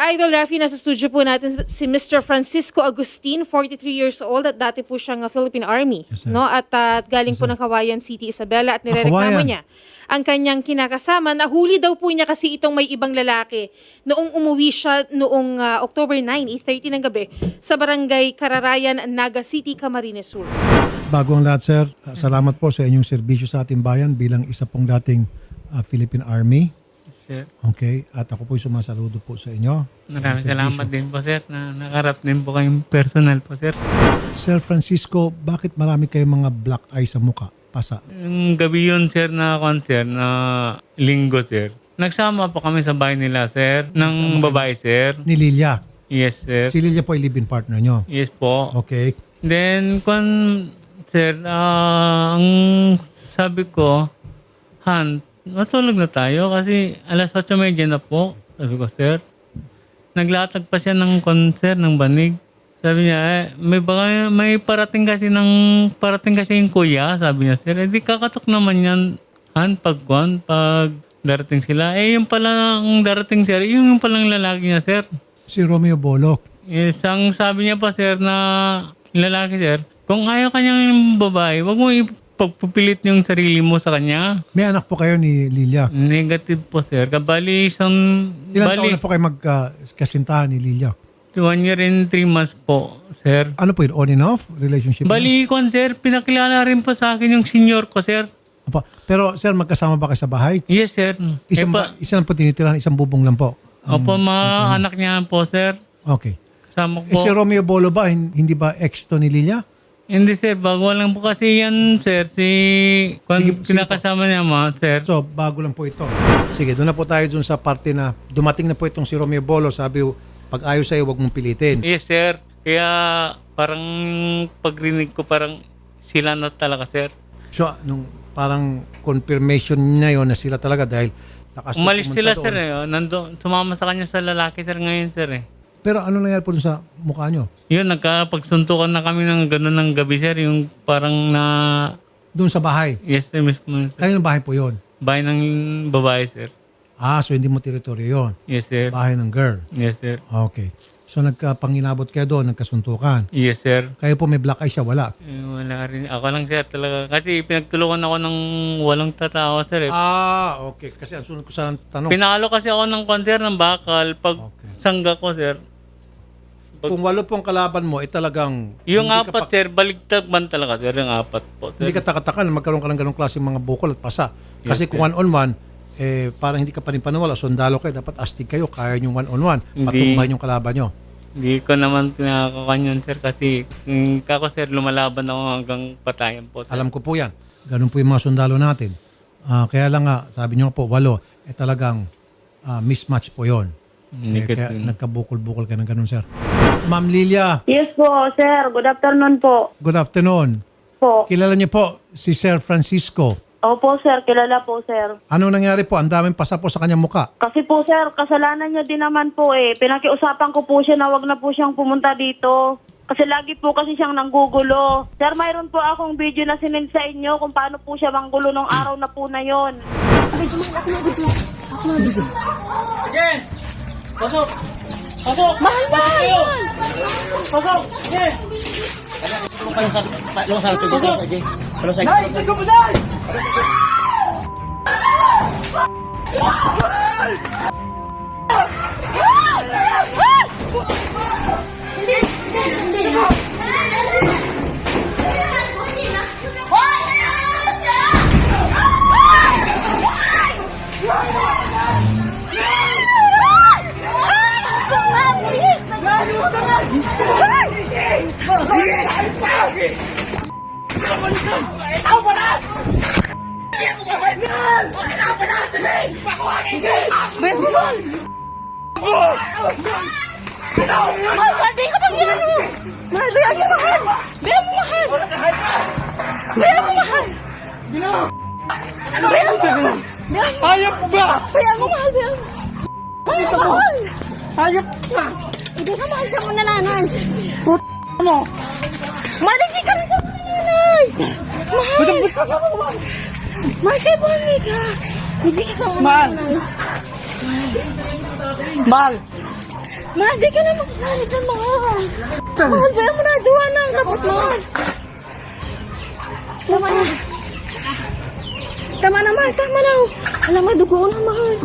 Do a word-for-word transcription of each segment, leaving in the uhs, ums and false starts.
Ka-Idol Rafi, nasa studio po natin si Mister Francisco Agustin, forty-three years old at dati po siyang uh, Philippine Army. Yes, sir. No? At uh, galing Yes, po sir. ng Kawayan City, Isabela at Ah, nirereklamo Kawayan. niya ang kanyang kinakasama. Nahuli daw po niya kasi itong may ibang lalaki noong umuwi siya noong uh, October ninth, eight thirty ng gabi sa barangay Kararayan, Naga City, Camarines Sur. Bago ang lahat, sir, uh, salamat po sa inyong serbisyo sa ating bayan bilang isa pong dating uh, Philippine Army. Sir, Okay? At ako po'y sumasaludo po sa inyo. maraming salamat din po sir na nakarap din po kayong personal po sir. Sir Francisco, bakit marami kayong mga black eye sa muka? Pasa. Yung gabi yun sir na concert na linggo sir. Nagsama po kami sa bahay nila sir ng babae sir. Ni Lilia. Yes sir. Si Lilia po ay live-in partner nyo. Yes po. Okay. Then kung sir, ah, ang sabi ko, Han, matulog na tayo kasi alas otso thirty na po. Sabi ko sir. Naglatag pa siya ng concert ng banig. Sabi niya, eh, may, baka, may parating kasi ng parating kasi yung kuya, sabi niya, sir, eh di kakatok naman yan, Han, pag kwan, pag darating sila. Eh, yung pala ang darating, sir, yung, yung palang lalaki niya, sir. Si Romeo Bolok. Yes, ang sabi niya pa, sir, na lalaki, sir, kung ayaw kanyang babae, wag mo ipagpupilit yung sarili mo sa kanya. May anak po kayo ni Lilia. Negative po, sir. Kabali isang, Ilan bali, taon na po kayo magkasintahan ni Lilia? one year and three months po, sir. Ano po yun? On and off relationship? Bali ko, sir, pinakilala rin po sa akin yung senior ko, sir. Apa. Pero sir, magkasama ba kayo sa bahay? Yes, sir. Isang, eh, pa, ba, isa lang po tinitirahan, isang bubong lang po. opo, mga anak niya po, sir. Okay. Kasama Eh, ko. si Romeo Bolo ba, hin- hindi ba ex to ni Lilia? Hindi, sir. Bago lang po kasi yan, sir. Si, kung Sige- sige pinakasama niya mo, sir. So, bago lang po ito. Sige, doon na po tayo dun sa parte na dumating na po itong si Romeo Bolo. Sabi, pag ayaw sa'yo, huwag mong pilitin. Yes, sir. Kaya parang pagrinig ko, parang sila na talaga, sir. So, nung parang confirmation niya yun na sila talaga dahil nakas- Umalis pumunta sila, doon. sir. Eh. oh. Nando, sumama sa kanya sa lalaki, sir, ngayon, sir. Eh. Pero ano nangyari po dun sa mukha nyo? Yun, nagkapagsuntukan na kami ng gano'n ng gabi, sir. Yung parang na... Doon sa bahay. Yes, sir, mismo. Sir. Kayo ng bahay po yun? Bahay ng babae, sir. Ah, so hindi mo teritoryo yun. Yes, sir. Bahay ng girl. Yes, sir. Okay. So nagkapanginabot kayo doon, nagkasuntukan. Yes, sir. Kayo po may black eye siya, wala. Eh, wala rin. Ako lang, sir, talaga. Kasi pinagtulungan ako ng walong tatawa, sir. Eh. Ah, okay. Kasi ang sunod ko sa tanong, Pinalo kasi ako ng konser ng bakal pag Okay. sangga ko, sir. kung walo pong kalaban mo, eh talagang Yung hindi ka apat, pa- sir, baligtad man talaga, sir. Yung apat po, sir. hindi ka takatakan na magkaroon ka ng ganong klaseng mga bukol at pasa. Kasi Yes, kung one-on-one, eh, parang hindi ka pa rin paniwala. Sundalo kayo, dapat astig kayo, kaya yung one-on-one. Hindi. Patumbahin yung kalaban nyo. Hindi ko naman pinakakanyan, sir, kasi mm, kako, sir, lumalaban ako hanggang patayan po. Sir. Alam ko po yan. Ganun po yung mga sundalo natin. Ah, kaya lang nga, sabi nyo po, walo, eh talagang ah, mismatch po yon. Eh, kaya Negative. nagkabukol-bukol ka ng ganun, sir. Ma'am Lilia, Yes po, sir. Good afternoon po. good afternoon. Po. Kilala niyo po si Sir Francisco. Opo, sir. Kilala po, sir. Anong nangyari po? Ang daming pasa po sa kanyang muka. Kasi po, sir, kasalanan niya din naman po eh. Pinakiusapan ko po siya na wag na po siyang pumunta dito. Kasi lagi po kasi siyang nanggugulo. Sir, mayroon po akong video na sinend sa inyo kung paano po siya manggulo nung araw na po na yon. Pasok! Pasok! Mahal na! Pasok! Sige! Mahal, di ka pang yan mo! Mahal, di ka mahal! Bilang mo mahal! Bilang mo mahal! Bilang mo mahal! Hayop ba? Bilang mo mahal, bilang mo! Bilang mo mahal! Hayop ba? Hindi ka mahal sa mga nanay! Put mo! Mahal, hindi ka na sa mga nanay! Mahal! Mahal, kay Bonnie ka! Hindi ka sa mga nanay! Mahal, Mahal, di ka na magsasalit ng mahal. Mahal, ba mo na, duwa na ang kapot mahal. Tama na. Tama na, mahal, tama na. Alam mo, dugo na, mahal.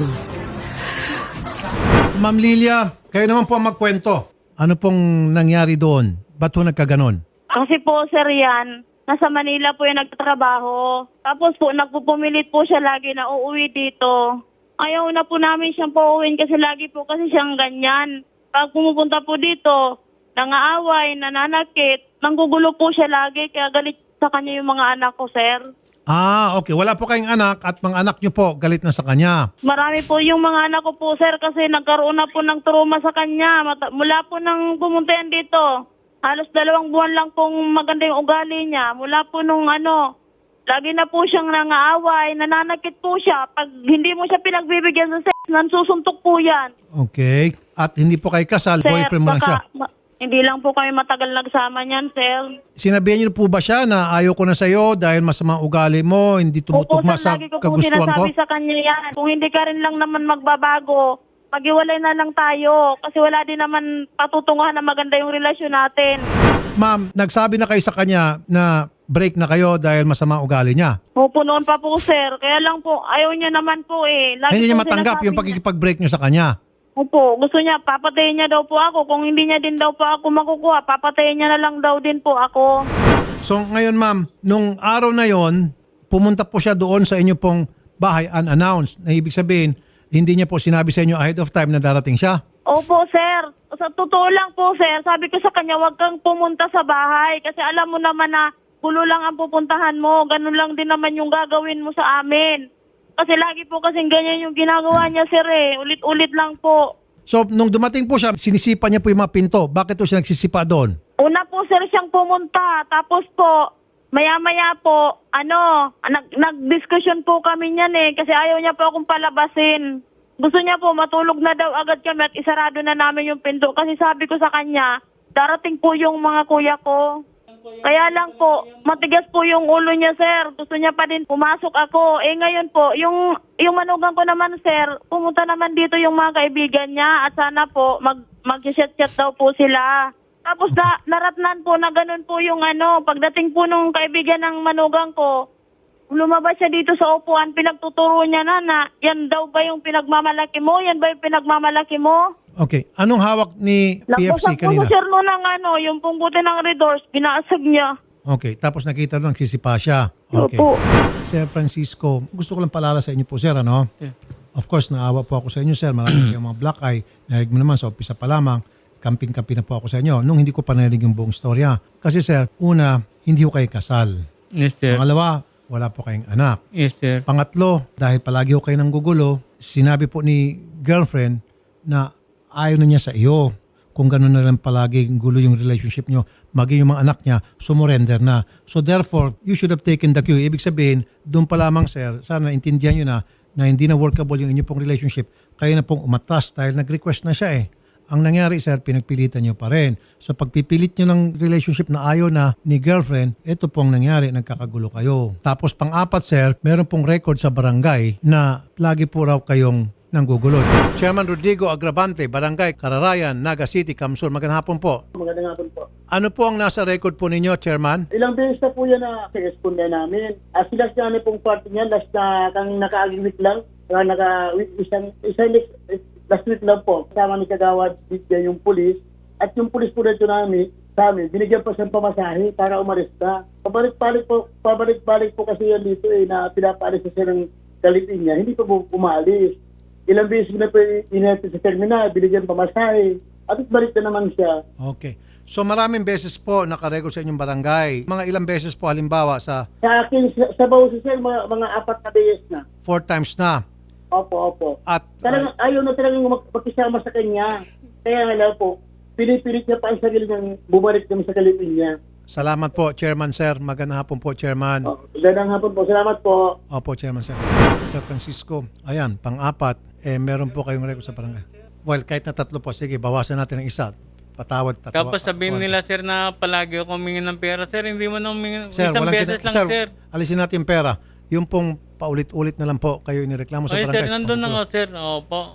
Ma'am Lilia, kayo naman po ang magkwento. Ano pong nangyari doon? Ba't po nagkaganon? Kasi po, sir, yan, nasa Manila po yung nagtatrabaho. Tapos po, nagpupumilit po siya lagi na uuwi dito. Ayaw na po namin siyang pauwiin kasi lagi po kasi siyang ganyan. Pag pumupunta po dito, nangaaway, nananakit, nanggugulo po siya lagi kaya galit sa kanya yung mga anak ko, sir. Ah, okay. Wala po kayong anak at mga anak nyo po galit na sa kanya. Marami po yung mga anak ko po, sir, kasi nagkaroon na po ng trauma sa kanya. Mata- mula po nang pumunta yan dito, halos dalawang buwan lang pong maganda yung ugali niya. Mula po nung ano, lagi na po siyang nangaaway, nananakit po siya. Pag hindi mo siya pinagbibigyan sa sex, nansusuntok po yan. Okay. At hindi po kayo kasal, Sir, boyfriend mo lang siya. baka, ma- hindi lang po kami matagal nagsama niyan, sir. Sinabihan niyo po ba siya na ayaw ko na sa'yo dahil masama ugali mo, hindi tumutugma Opo, sa sir, lagi ko po kagustuhan ko? sinasabi sa kanya yan. Kung hindi ka rin lang naman magbabago, maghiwalay na lang tayo. Kasi wala din naman patutunguhan na maganda yung relasyon natin. Ma'am, nagsabi na kayo sa kanya na break na kayo dahil masama ugali niya. Opo, noon pa po, sir. Kaya lang po, ayaw niya naman po eh. Lagi Hindi niya po matanggap sinasabi yung pagkikipag-break niyo sa kanya. Opo, gusto niya, papatayin niya daw po ako. Kung hindi niya din daw po ako makukuha, papatayin niya na lang daw din po ako. So ngayon ma'am, nung araw na yon, pumunta po siya doon sa inyo pong bahay unannounced. Na ibig sabihin, hindi niya po sinabi sa inyo ahead of time na darating siya. Opo, sir. Sa totoo lang po, sir, sabi ko sa kanya, huwag kang pumunta sa bahay. Kasi alam mo naman na gulo lang ang pupuntahan mo. Ganun lang din naman yung gagawin mo sa amin. Kasi lagi po kasing ganyan yung ginagawa niya, sir eh. Ulit-ulit lang po. So nung dumating po siya, sinisipa niya po yung mga pinto. Bakit po siya nagsisipa doon? Una po, sir, siyang pumunta. Tapos po, maya-maya po, ano, nag- nag-discussion po kami niyan eh. Kasi ayaw niya po akong palabasin. Gusto niya po, matulog na daw agad kami at isarado na namin yung pinto. Kasi sabi ko sa kanya, darating po yung mga kuya ko. Kaya lang po, matigas po yung ulo niya, sir. Gusto niya pa din pumasok ako. Eh ngayon po, yung, yung manugang ko naman, sir, pumunta naman dito yung mga kaibigan niya at sana po mag, mag-chat-chat daw po sila. Tapos na, naratnan po na ganun po yung ano, pagdating po nung kaibigan ng manugang ko, lumabas siya dito sa upuan, pinagtuturo niya na na, yan daw ba yung pinagmamalaki mo? Yan ba yung pinagmamalaki mo? Okay. Anong hawak ni P F C Nagpusap po kanina? sir no ng ano, yung punggutin ng red doors, binaasag niya. Okay. Tapos nakita doon, nagsisipa siya. Okay. Opo. Sir Francisco, gusto ko lang palala sa inyo po, sir, ano? Of course, naawa po ako sa inyo, sir. Marami kayong mga black eye. Narinig mo naman, sa umpisa pa lamang, kamping-kampi na po ako sa inyo nung hindi ko pa narinig yung buong storya. Kasi, sir, una, hindi ko kayo kasal. Yes, sir. Pangalawa, wala po kayong anak. Yes, sir. Pangatlo, dahil palagi ko kayo nang gugulo, sinabi po ni girlfriend na ayaw na niya sa iyo. Kung gano'n na lang palagi gulo yung relationship nyo, maging yung mga anak niya, sumurrender na. So therefore, you should have taken the cue. Ibig sabihin, doon pa lamang, sir, sana intindihan nyo na na hindi na workable yung inyo pong relationship, kayo na pong umatras dahil nag-request na siya eh. Ang nangyari, sir, pinagpilitan nyo pa rin. So pagpipilit nyo ng relationship na ayaw na ni girlfriend, ito pong nangyari, nagkakagulo kayo. Tapos pang-apat, sir, meron pong record sa barangay na lagi po raw kayong nanggugulod. Chairman Rodrigo Agravante, Barangay Kararayan, Naga City, Kamsur. Magandang hapon po. Magandang hapon po. Ano po ang nasa record po ninyo, Chairman? Ilang beses na po yan na i-respond na namin. As last namin pong party niya, last na kang naka-aging week lang, uh, naka week, isang, isang week, last week lang po, kasama ni Kagawad bigyan yung pulis. At yung pulis po dito namin, sa amin, binigyan pa siyang pamasahe para umalis na. Pabalik-balik po, pabalik-balik po kasi yan dito eh, na pinapaalis na siya ng galipin niya. Hindi pa po umalis. Ilang beses na po inatid sa terminal, binigyan pamasahe. At balik na naman siya. Okay. So maraming beses po nakarecord sa inyong barangay. Mga ilang beses po halimbawa sa Sa akin, sa, sa Bausi sir, mga, mga apat na beses na. four times na. Opo, opo. At Talagang ayaw na talagang mag- magkisama sa kanya. Kaya nga lang po, pinipilit niya pa ang sarili niyang bumalik naman sa kalipin niya. salamat po, Chairman, sir. Magandang hapon po, Chairman. Oh, gandang hapon po. Salamat po. Opo, Chairman, sir. Sir Francisco, ayan, pang-apat, eh, meron po kayong record sa barangay. Well, kahit na tatlo po, sige, bawasan natin ng isa. Patawad, tatawa. Tapos sabihin nila, sir, na palagi ako humingi ng pera. Sir, hindi mo na humingi. Sir, Isang walang beses kina- lang, sir. alisin natin yung pera. Yung pong paulit-ulit na lang po kayo inireklamo sa Oy, barangay. sir, nandun na nga, sir. Opo.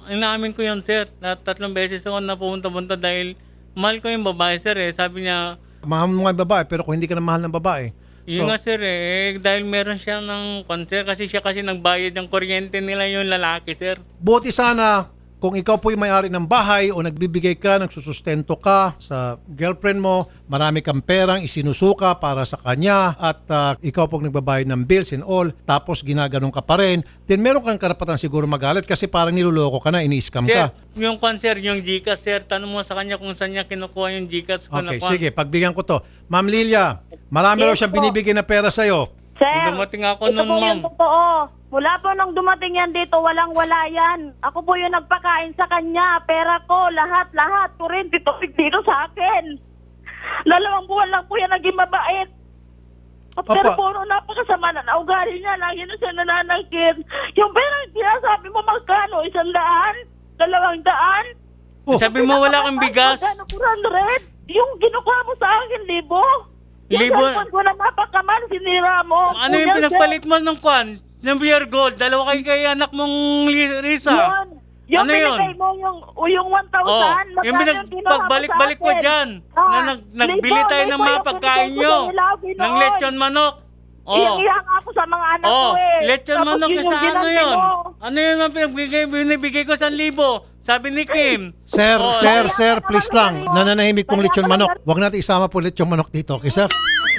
inamin ko yun, sir. Na tatlong beses ako na pumunta-punta dahil mahal ko yung babae, sir. Eh. Sabi niya, Mahal mo nga yung babae, pero kung hindi ka na mahal ng babae, yun nga, sir, eh. Dahil meron siya ng konser kasi siya kasi nagbayad ng kuryente nila yung lalaki, sir. buti sana kung ikaw po yung may-ari ng bahay o nagbibigay ka, nagsusustento ka sa girlfriend mo, marami kang perang isinusuka para sa kanya at ah, ikaw po nagbabayad ng bills and all, tapos ginaganon ka pa rin, then meron kang karapatan siguro magalit kasi parang niloloko ka na, ini-scam Sir, ka. yung konser, yung Gcash, sir, tanong mo sa kanya kung saan niya kinukuha yung Gcash ko. Okay, na sige, pagbigyan ko to. Ma'am Lilia, marami raw Yes siyang po. binibigay na pera sa'yo. Sir, Dumating ako ito nun, po ma'am. yung totoo. Mula po nung dumating yan dito, walang-wala yan. Ako po yung nagpakain sa kanya. Pera ko, lahat-lahat. Kuryente, tubig dito sa akin. Dalawang buwan lang po yan naging mabait. Pero Opo. puro napakasama na ugali niya. Lagi na siya nananakit. Yung pera, sinasabi mo magkano? Isang daan? Dalawang daan? Oh, Sabi mo wala kang bigas. Magkano? four hundred? Yung kinukuha mo sa akin, libo? Yung Libo? cellphone ko na napakaman, sinira mo. Ano yung Kuya, pinagpalit mo ng kwan? Ng beer gold? Dalawa kayo kay anak mong Li- Risa. Yun. Yung Ano yun? binigay mo yung, o yung one thousand. Oh, magkano yung kinuha mo pinagbalik-balik sa ko akin? dyan. Ah, Na nag, nagbili libo, tayo ng libo mga yung pagkain binigay ko nyo. sa Ilawi Ng noon. lechon manok. Oh. Iyak-iyak ako sa mga anak Oh, ko eh. lechon Tapos manok yun sa yung ano ginanti yun? mo. Ano yun ang pinabigay, binibigay ko sa libo? Sabi ni Kim. Sir, Oh, sir, Kaya sir, ka please naman lang. ganun. Nananahimik pong Kaya lechon ka manok. naman- Huwag natin isama po lechon manok dito, okay, sir?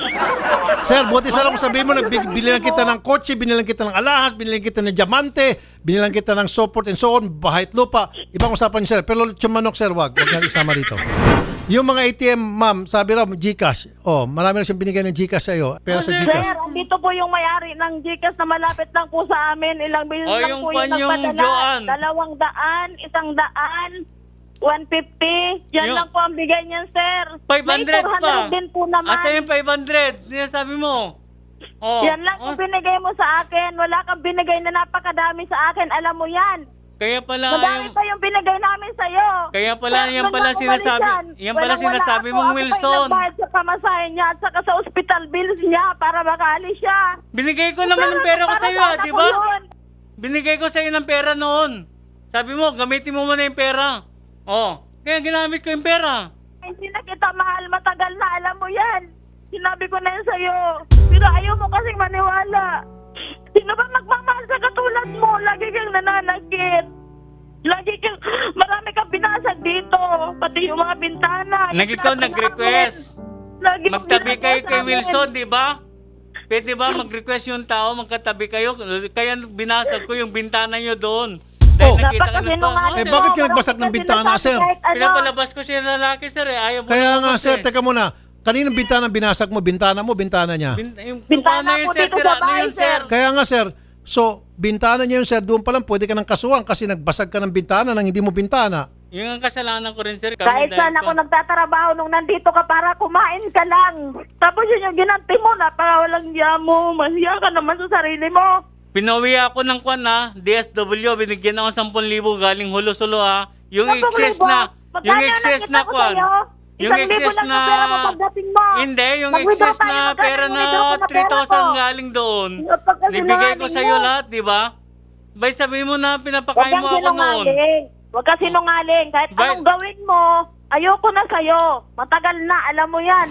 Sir, buti sana kung sabihin mo, nagbili lang kita ng kotse, binilang kita ng alahas, binilang kita ng diamante, binilang kita ng support and so on, bahit lupa. Ibang usapan niyo, sir. Pero lechon manok, sir, wag. Huwag natin isama dito. Yung mga A T M, ma'am, sabi raw, Gcash. Oh, marami na siyang binigay ng Gcash sa'yo. Pero sa Sir, Gcash. andito po yung may-ari ng Gcash na malapit lang po sa amin. Ilang bilhin Oh, lang yung po kwan yung yung nagpadala. Joanne. Dalawang daan, isang daan, one fifty. Yan Yung- lang po ang bigay niyan, sir. five hundred May four pa. hundred din po naman. Asa yung five hundred? Sinasabi mo. Oh. Yan lang Oh, yung binigay mo sa akin. Wala kang binigay na napakadami sa akin. Alam mo yan. Kaya pala Madami yung... pa yung binigay namin sa'yo. Kaya pala, Pero yan doon pala ako sinasabi- balikan. yan pala Walang-wala sinasabi ako. mong Ako pa Wilson. yung nagbayad sa pamasahe niya at saka sa hospital bills niya para makaalis siya. Binigay ko naman ng pera ko para sa'yo, sa ah, anak di ko ba? yun. Binigay ko sa'yo ng pera noon. Sabi mo, gamitin mo muna yung pera. Oh, kaya ginamit ko yung pera. Hindi na kita mahal, matagal na, alam mo yan. Sinabi ko na yun sa'yo. Pero ayaw mo kasing maniwala. Sino ba magmamahal sa katulad mo? Lagi kang nananakit. Lagi kang, marami kang binasag dito. Pati yung mga bintana. Nag ikaw Yung nag-request. Lagi mong Magtabi kayo ginagawa kay sa amin. Wilson, di ba? Pwede ba mag-request yung tao, magkatabi kayo? Kaya binasag ko yung bintana nyo doon. Dahil Oh. nakita ka ng Napakasinungaling Eh, mo. bakit ka Walang nagbasag ng bintana, sinasabi sir? kahit ano. Pinapalabas ko siya lalaki, sir. Eh. Ayaw mo Kaya naman nga, kasi. sir, teka muna. Kaninong bintana binasag mo? Bintana mo, bintana niya? Bin, yung, Bintana ano yun, ko sir? dito Sira sa na bahay, yun, sir. Kaya nga, sir. So, bintana niya yun, sir. Doon pa lang pwede ka ng kasuhan kasi nagbasag ka ng bintana nang hindi mo bintana. Yung ang kasalanan ko rin, sir. Kami Kahit dahil saan ako ko- nagtatrabaho nung nandito ka para kumain ka lang. Tapos yun yung ginanti mo, napaka walang hiya mo. Mahiya ka naman sa sarili mo. Pinawi ako ng kwan ha, D S W, binigyan ako ng ten thousand galing hulo-sulo ha. Yung Sampung excess libo? na, Magkano yung ang excess nakita na ko kwan. sa'yo? Yung Isang libo excess lang na, ang pera mo pagdating mo. hindi, yung Mag-withdraw excess tayo, na magkano pera yung na withdraw ko na three thousand pera ko? galing doon. Napakasinungaling Nibigay ko sa'yo mo. lahat, di ba? Bay sabihin mo na Huwag pinapakain kang mo ako noon. sinungaling. Huwag kang sinungaling. Kahit Ba- anong gawin mo, ayoko na sa'yo. Matagal na, alam mo yan.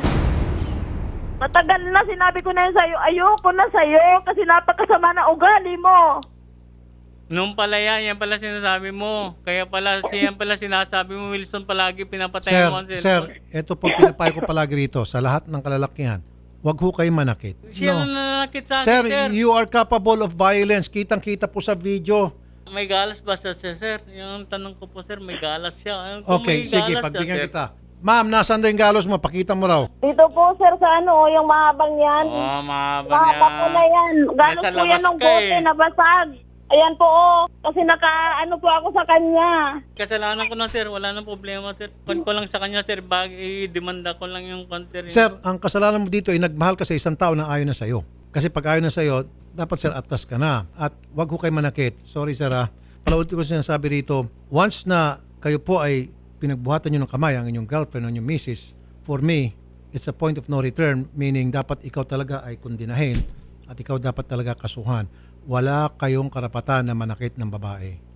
Matagal na, sinabi ko na yun sa'yo. Ayoko na sa'yo kasi napakasama na ugali mo. Nung pala yan, yan pala sinasabi mo. Kaya pala, siyan pala sinasabi mo, Wilson, palagi pinapatay Sir, mo ang sir, cellphone. ito po pinapayo ko palagi rito sa lahat ng kalalakihan. Huwag ho kayo manakit. Siya No. na nanakit sa akin, Sir, sir. you are capable of violence. Kitang-kita po sa video. May galas ba siya, sir? Yung tanong ko po, sir, may galas siya. Ayun, kung Okay, may sige, galas pagbigyan siya, sir. kita. Ma'am, nasaan daw yung galos mo? Pakita mo raw. Dito po, sir, sa ano, yung mahabang yan. Oh, mahaba Mahaba po na yan. Ganos Nasa po yan labas ng ka bote, eh. nabasag. Ayan po, oh. Kasi naka, ano po ako sa kanya. Kasalanan ko na, sir. Wala nang problema, sir. Pan ko lang sa kanya, sir. Bag, i-demanda ko lang yung konter. Sir, ang kasalanan mo dito ay nagmahal ka sa isang tao na ayaw na sa'yo. Kasi pag ayaw na sa'yo, dapat sir, atras ka na. At wag ho kayo manakit. Sorry, sir, ha. Palautin ko sinasabi rito, once na kayo po ay pinagbuhatan nyo ng kamay ang inyong girlfriend o inyong missus, for me, it's a point of no return, meaning dapat ikaw talaga ay kundinahin at ikaw dapat talaga kasuhan. Wala kayong karapatan na manakit ng babae.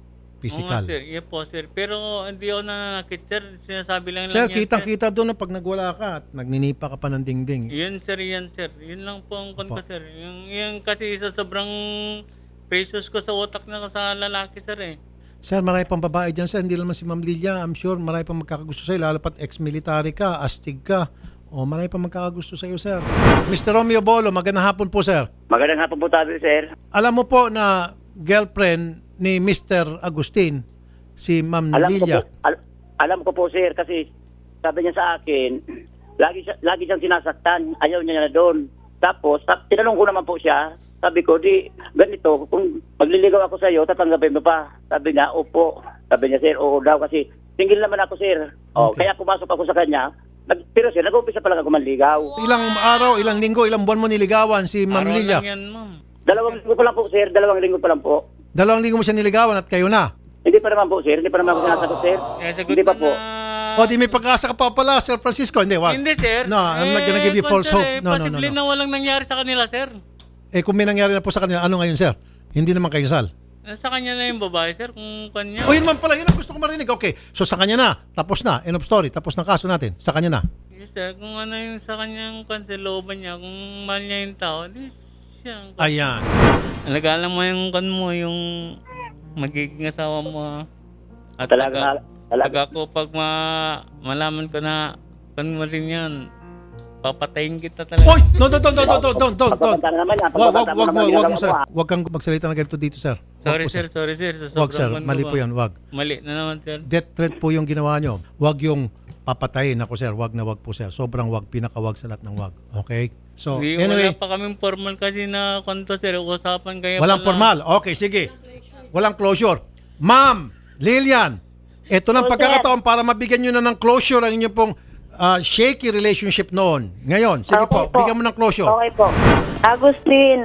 physical. Oo nga, sir. Yan po, sir. Pero hindi ako nananakit, sir. Sinasabi lang Sir, lang yan, kitang-kita doon na pag nagwala ka at nagninipa ka pa ng dingding. Yun, sir, yan, sir. Yun lang po ang kon ko, sir. Yung, yung kasi sa sobrang precious ko sa utak na ko sa lalaki, sir, eh. Sir, marami pang babae dyan, sir. Hindi naman si Ma'am Lilia. I'm sure marami pang magkakagusto sa'yo. Lalo pat ex-military ka, astig ka. O, marami pang magkakagusto sa'yo, sir. Mister Romeo Bolo, magandang hapon po, sir. Magandang hapon po tayo, sir. Alam mo po na girlfriend ni Mister Agustin, si Ma'am Alam ko Lilia. po, al- alam ko po, sir, kasi sabi niya sa akin, lagi siya, lagi siyang sinasaktan, ayaw niya na doon. Tapos, ta- tinanong ko naman po siya, sabi ko, di, ganito, kung magliligaw ako sa iyo, tatanggapin mo pa. Sabi niya, opo. Sabi niya, sir, oo daw, kasi single naman ako, sir. O, Okay. kaya pumasok ako sa kanya. Nag, pero sir, nag-umpisa pa lang ako manligaw. Ilang araw, ilang linggo, ilang buwan mo niligawan si Ma'am Araw Lilia? lang yan, ma'am. Dalawang linggo pa lang po, sir. Dalawang linggo pa lang po. Dalawang linggo mo siya niligawan at kayo na. Hindi pa naman po, sir. Hindi pa naman ako sinasagot, sir. Eh, sagot Hindi pa mo po. na... O, di may pag-asa ka pa pala, Sir Francisco. Hindi, wag. Hindi, sir. No, I'm not gonna give you kon, false sir, hope. eh, No, no, no, Posible no. na walang nangyari sa kanila, sir. Eh, kung may nangyari na po sa kanila, ano ngayon, sir? Hindi naman kayo sal. Sa kanya na yung babae, sir, kung kanya. O, yun man pala. Yun ang gusto ko marinig. Okay. So, sa kanya na. Tapos na. End of story. Tapos ng kaso natin. Sa kanya na. Yes, sir, kung ano yung sa kanyang kansilooban niya, kung mahal niya yung tao, di siya. ang- Ayan. Alagaan mo yung kan mo, yung magiging asawa mo. Ha? At Talaga, pag, talaga. pag ako, pag ma, malaman ko na kan mo rin yan, papatayin kita talaga. Oy! No, don't, don't, don't, don't, don't, don't, don't. Pagpapanta na naman yan. Wag, wag, Pagpapanta mo wag, naman wag, yung wag mo, alam sir. ko, ah. Wag kang magsalita na ganito dito, sir. Wag Sorry, po, sir, sorry, sir. Sa Wag, sobrang sir. kwento Mali ko. po yan. Wag. Mali na naman, sir. Death threat po yung ginawa nyo. Wag yung papatayin. Ako, sir. Wag na wag po, sir. Sobrang wag. Pinakawag sa lahat ng wag. Okay? So, Di, anyway. wala pa kaming formal kasi na kwento, sir. Usapan kaya Walang pala. formal. Okay, sige. Walang closure. Ma'am, Lilian, ito ng Oh, pagkakataon para mabigyan nyo na ng closure ang inyong pong ah, shaky relationship noon. Ngayon, sige po, Okay po. bigyan mo ng closure. Okay po. Agustin,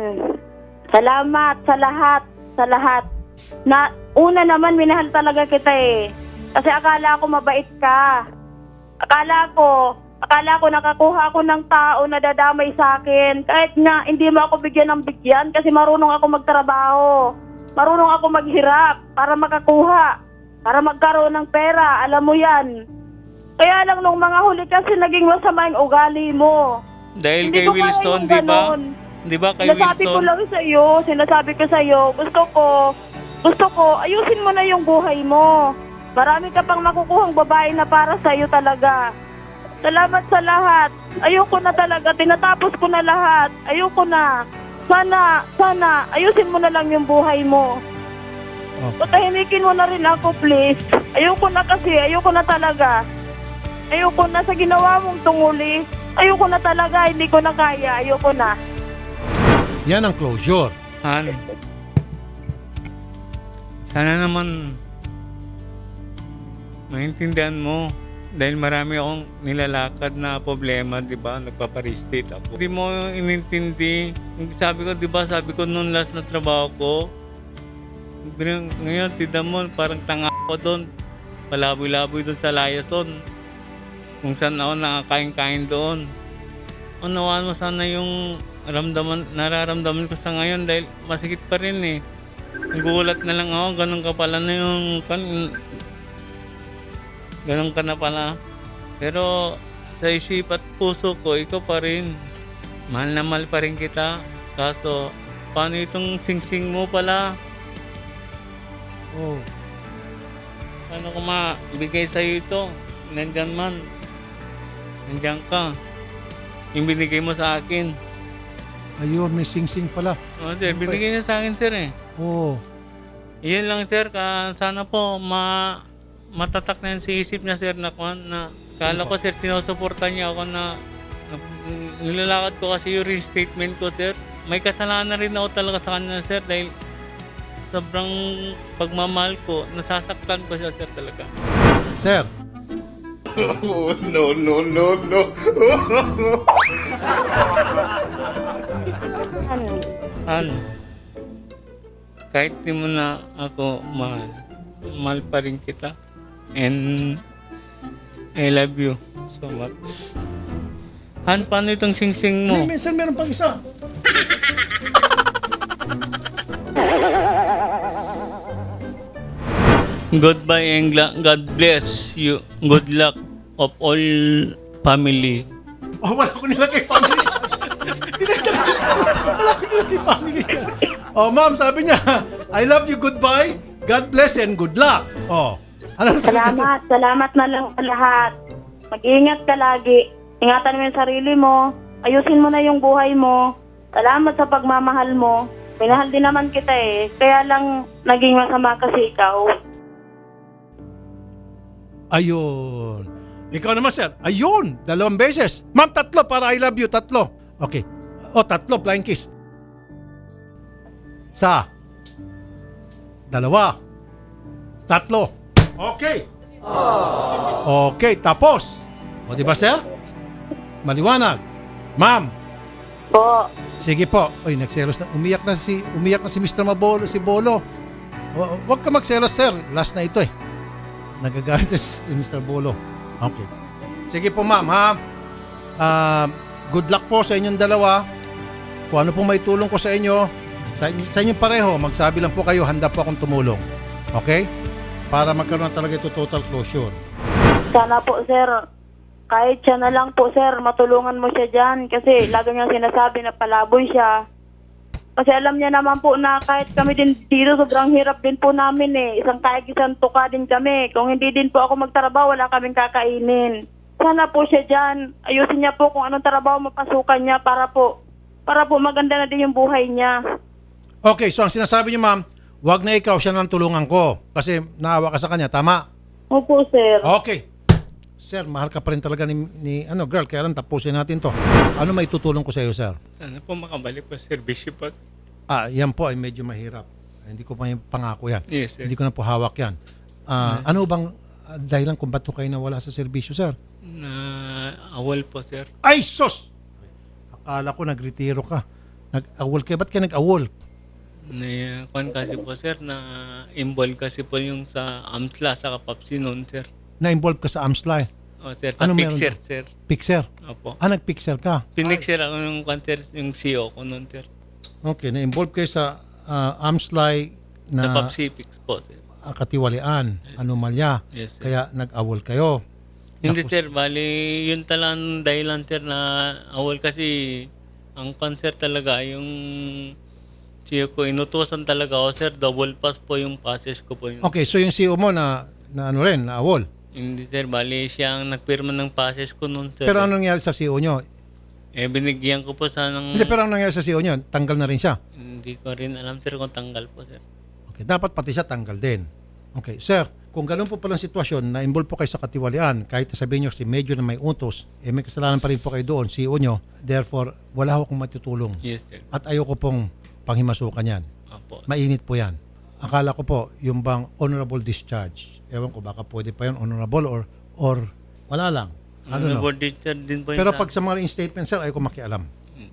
salamat sa lahat, sa lahat. Na, una naman, minahal talaga kita eh. Kasi akala ko mabait ka. Akala ko, akala ko nakakuha ako ng tao na dadamay sa akin. Kahit nga, hindi mo ako bigyan ng bigyan kasi marunong ako magtrabaho. Marunong ako maghirap para makakuha. Para magkaroon ng pera. Alam mo yan. Kaya lang nung mga huli kasi naging masama yung ugali mo. Dahil Hindi kay ko kaya Wilson, yung di ba? ganon. Di ba kay Sinasabi ko Wilson? lang sa iyo, sinasabi ko sa iyo, gusto ko, gusto ko, ayusin mo na yung buhay mo. Marami ka pang makukuhang babae na para sa iyo talaga. Salamat sa lahat. Ayoko na talaga, tinatapos ko na lahat. Ayoko na. Sana, sana, ayusin mo na lang yung buhay mo. Okay. Patahimikin mo na rin ako, please. Ayoko na kasi, ayoko na talaga. Ayoko na sa ginawa mong tunguli. Ayoko na talaga, hindi ko na kaya. Ayoko na. Yan ang closure. Han, sana naman maintindihan mo dahil marami akong nilalakad na problema, di ba? Nagpaparistate ako. Hindi mo inintindi. Sabi ko, di ba, sabi ko noon last na trabaho ko, ngayon, tida mo, parang tanga ako doon. Palaboy-laboy doon sa Layason. Kung saan ako nakakain-kain doon. Unawaan mo sana yung ramdaman, nararamdaman ko sa ngayon dahil masikit pa rin eh. Nagulat na lang ako, ganun ka pala na yung kan, ganun ka na pala. Pero sa isip at puso ko, ikaw pa rin. Mahal na mahal pa rin kita. Kaso, paano itong sing-sing mo pala? Oh. Paano ko mabigay sa'yo ito? Nandyan man. Nandyan ka. Yung binigay mo sa akin. Ayun, may sing-sing pala. Oh, sir, binigay niya sa akin, sir eh. Oh. Iyan lang, sir. Ka, sana po ma, matatak na yun sa isip niya, sir, na, na kala ko, sir, sinusuportan niya ako na, na nilalakad ko kasi yung restatement ko, sir. May kasalanan rin ako talaga sa kanya, sir, dahil sobrang pagmamahal ko, nasasaktan ko siya, sir, talaga. Sir, Oh, no, no, no, no. Ano? Kahit di mo na ako mahal, mahal pa rin kita. And I love you so much. Han, paano itong sing-sing mo? may minsan meron pang isa. Goodbye and gla- God bless you. Good luck of all family. Oh, wala ko nilagay family. Dinagdag ko sa wala ko nilagay family dyan. Oh, ma'am, sabi niya, I love you, goodbye, God bless and good luck. Oh, ano sabi dito? Salamat, salamat na lang sa lahat. Mag-ingat ka lagi. Ingatan mo yung sarili mo. Ayusin mo na yung buhay mo. Salamat sa pagmamahal mo. Minahal din naman kita eh. Kaya lang naging masama kasi ikaw. Ayun. Ikaw naman, sir. Ayun. Dalawang beses. Ma'am, tatlo para I love you. Tatlo. Okay. O, tatlo. Flying kiss. Sa. Dalawa. Tatlo. Okay. Okay. Tapos. O, di ba, sir? Maliwanag. Ma'am. Po. Sige po. Oy, nagselos na. Umiyak na si umiyak na si Mister Mabolo, si Bolo. Wa- Huwag ka magselos, sir. Last na ito eh. Nagagalit na si Mister Bolo. Okay. Sige po, ma'am, ha? Ah, good luck po sa inyong dalawa. Kung ano pong may tulong ko sa inyo, sa, sa inyong pareho, magsabi lang po kayo, handa po akong tumulong. Okay? Para magkaroon na talaga ito total closure. Sana po, sir. Kahit siya na lang po, sir, matulungan mo siya dyan. Kasi lagi niyang sinasabi na palaboy siya. Kasi alam niya naman po na kahit kami din dito, sobrang hirap din po namin eh. Isang kaig, isang tuka din kami. Kung hindi din po ako magtrabaho, wala kaming kakainin. Sana po siya dyan. Ayusin niya po kung anong trabaho mapasukan niya para po, para po maganda na din yung buhay niya. Okay, so ang sinasabi niyo, ma'am, wag na ikaw siya ng tulungan ko. Kasi naawa ka sa kanya, tama? Opo, sir. Okay. Sir, mahal ka pa rin talaga ni, ni ano, girl, kaya lang tapusin natin to. Ano may tutulong ko sa iyo, sir? Sana po makabalik po servisyo po. Ah, yan po ay medyo mahirap. Hindi ko pa yung pangako yan. Yes, sir. Hindi ko na po hawak yan. Ah, ano bang ah, dahilan kung ba't po kayo nawala sa serbisyo, sir? Na awol po, sir. Ay, sos! Akala ko nagretiro ka. Nag-awol kayo. Ba't kayo nag-awol? Na kwan kasi po, sir, na involved kasi po yung sa AMSLA sa Kapapsi noon, sir. Na-involve ka sa AMSLA. O, sir, sa Ano meron Pixer, doon? sir. Pixer. Opo. Ah, nag-pixer ka. Pinixer ako yung kwan, sir, yung C E O ko noon, sir. Okay, na-involve kayo sa uh, AMSLA Sa na Papsi Pix po, sir. ah, katiwalian, anomalya. Yes, sir. Kaya nag-awol kayo. Hindi, Tapos- sir. Bali, yun talang dahilan, sir, na awol kasi ang cancer talaga, yung C E O ko, inutusan talaga ako, sir. Double pass po yung passes ko po. Yun. Okay, so yung C E O mo na, na ano rin, na awol. Hindi, sir. Bali, siya ang nagpirma ng passes ko noon, sir. Pero anong nangyari sa C E O nyo? Eh, binigyan ko po sa ng... Hindi, pero anong nangyari sa C E O nyo? Tanggal na rin siya. Hindi ko rin alam, sir, kung tanggal po, sir. Okay, dapat pati siya tanggal din. Okay, sir, kung ganun po palang sitwasyon na involve po kayo sa katiwalian, kahit sabihin nyo si medyo na may utos, eh may kasalanan pa rin po kayo doon, C E O nyo, therefore, wala ho akong matutulong. Yes, sir. At ayoko pong panghimasukan yan. Opo. Mainit po yan. Akala ko po, yung bang honorable discharge, ewan ko, baka pwede pa yun, honorable or, or wala lang. Ano Ano no? board teacher din po yun Pero sa- pag sa mga statement, sir, ayoko makialam.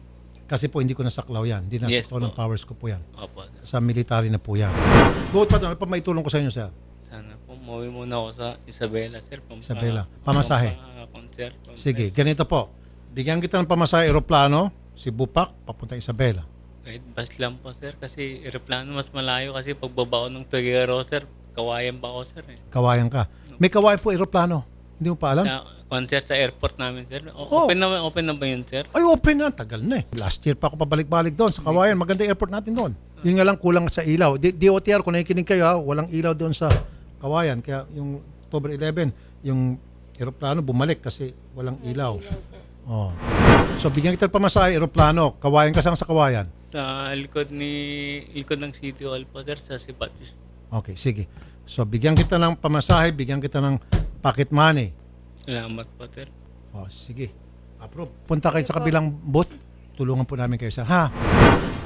Kasi po, hindi ko nasaklaw yan. Hindi Yes nasaklaw ng po. powers ko po yan. Opo. Sa military na po yan. Bukod pa doon, ano pa may tulong ko sa inyo, sir? Sana po, mauwi muna ako sa Isabela, sir. Pampa, Isabela. Pamasahe. Pampa-concert. Sige, ganito po. Bigyan kita ng pamasahe aeroplano, si Bupak, papunta Isabela. Kahit bus lang po, sir. Kasi aeroplano mas malayo kasi pagbaba ko ng Tuguero, sir, kawayan pa ako, sir. Eh. Kawayan ka. May kawayan po aeroplano. Hindi mo pa alam? Sa concert sa airport namin, sir. O, Oh. Open na open na ba yun, sir? Ay, open na. Tagal na eh. Last year pa ako pabalik-balik doon sa Kawayan. Maganda yung airport natin doon. Yun nga lang kulang sa ilaw. D- DOTR, kung nakikinig kayo ha, walang ilaw doon sa Kawayan. Kaya yung October eleven, yung aeroplano bumalik kasi walang ilaw. Oh. So, bigyan kita ng pamasahe, aeroplano. Kawayan ka saan sa Kawayan? Sa likod ni likod ng City Hall po, sir, sa Sipatis. Okay, sige. So, bigyan kita ng pamasahe, bigyan kita ng pocket money. Salamat po, sir. Oh, sige. Approve. Punta kayo sa kabilang booth. Tulungan po namin kayo, sir. Ha?